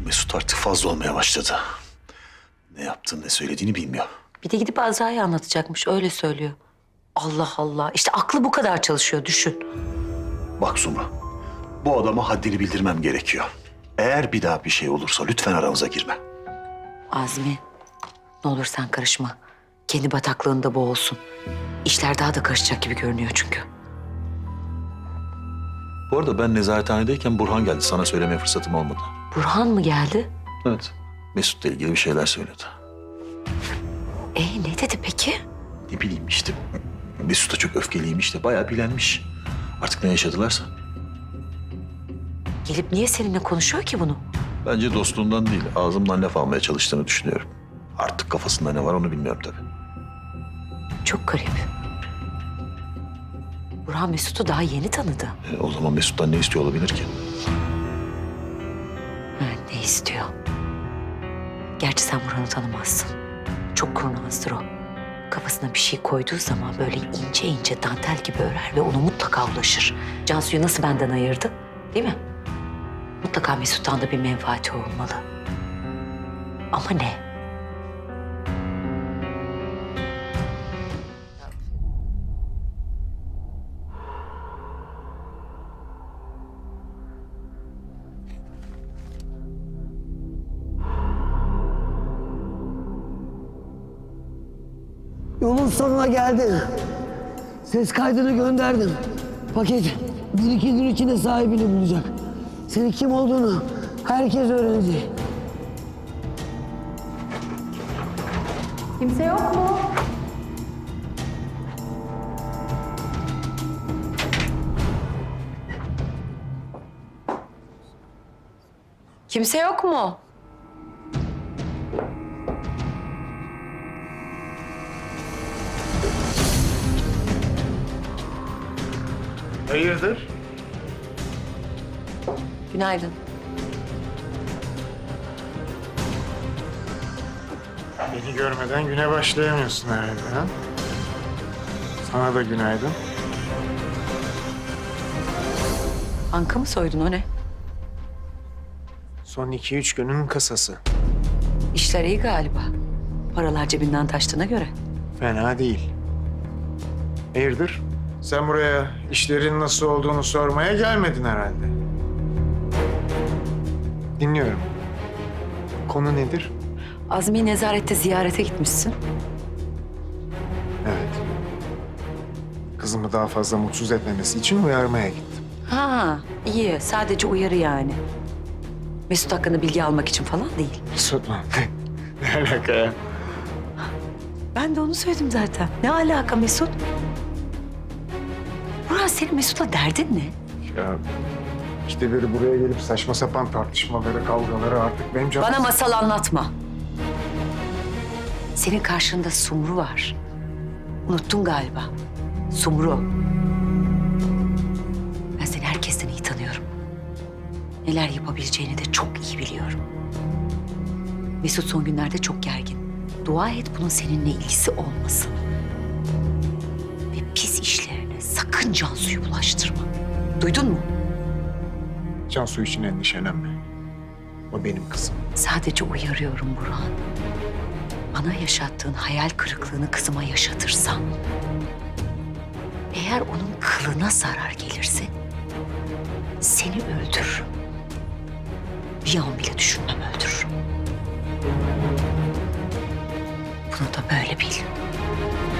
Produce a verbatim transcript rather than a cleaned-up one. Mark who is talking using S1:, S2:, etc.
S1: Mesut artık fazla olmaya başladı. Ne yaptığını, ne söylediğini bilmiyor.
S2: Bir de gidip Azra'ya anlatacakmış, öyle söylüyor. Allah Allah. İşte aklı bu kadar çalışıyor, düşün.
S1: Bak Sumru, bu adama haddini bildirmem gerekiyor. Eğer bir daha bir şey olursa lütfen aramıza girme.
S2: Azmi, ne olur sen karışma. Kendi bataklığında boğulsun. İşler daha da karışacak gibi görünüyor çünkü.
S1: Bu arada ben nezarethanedeyken Burhan geldi. Sana söylemeye fırsatım olmadı.
S2: Burhan mı geldi?
S1: Evet. Mesut'la ilgili bir şeyler söyledi.
S2: E ne dedi peki?
S1: Ne bileyim işte. Mesut da çok öfkeliymiş de bayağı bilenmiş. Artık ne yaşadılarsa.
S2: Gelip niye seninle konuşuyor ki bunu?
S1: Bence dostluğundan değil, ağzımdan laf almaya çalıştığını düşünüyorum. Artık kafasında ne var onu bilmiyorum tabii.
S2: Çok garip. Burhan Mesut'u daha yeni tanıdı.
S1: E, o zaman Mesut'tan ne istiyor olabilir ki?
S2: Ha, ne istiyor? Gerçi sen Burhan'ı tanımazsın. Çok kurnazdır o. Kafasına bir şey koyduğu zaman böyle ince ince dantel gibi örer ve ona mutlaka ulaşır. Cansu'yu nasıl benden ayırdı, değil mi? Mutlaka Mesut'tan da bir menfaati olmalı. Ama ne?
S3: Yolun sonuna geldin. Ses kaydını gönderdim. Paket bir iki gün içinde sahibini bulacak. Senin kim olduğunu herkes öğrenecek.
S4: Kimse yok mu?
S2: Kimse yok mu?
S5: Hayırdır?
S2: Günaydın.
S5: Beni görmeden güne başlayamıyorsun herhalde ha? Sana da günaydın.
S2: Banka mı soydun, o ne?
S5: Son iki üç günün kasası.
S2: İşler iyi galiba. Paralar cebinden taştığına göre.
S5: Fena değil. Hayırdır? Sen buraya işlerin nasıl olduğunu sormaya gelmedin herhalde. Dinliyorum. Konu nedir?
S2: Azmi'yi nezarette ziyarete gitmişsin.
S5: Evet. Kızımı daha fazla mutsuz etmemesi için uyarmaya gittim.
S2: Ha, iyi. Sadece uyarı yani. Mesut hakkında bilgi almak için falan değil.
S5: Mesut mu? Ne alaka ya?
S2: Ben de onu söyledim zaten. Ne alaka Mesut? Burhan, senin Mesut'la derdin ne?
S5: Ya işte biri buraya gelip saçma sapan tartışmaları, kavgaları artık benim canım...
S2: Bana masal anlatma. Senin karşında Sumru var. Unuttun galiba. Sumru. Ben seni herkesten iyi tanıyorum. Neler yapabileceğini de çok iyi biliyorum. Mesut son günlerde çok gergin. Dua et bunun seninle ilgisi olmasın. Ve pis işlerine sakın Cansu'yu bulaştırma. Duydun mu?
S5: Cansu için endişelenme. O benim kızım.
S2: Sadece uyarıyorum Burhan. Bana yaşattığın hayal kırıklığını kızıma yaşatırsan... eğer onun kılına zarar gelirse... seni öldürürüm. Bir an bile düşünmem, öldürürüm. Bunu da böyle bil.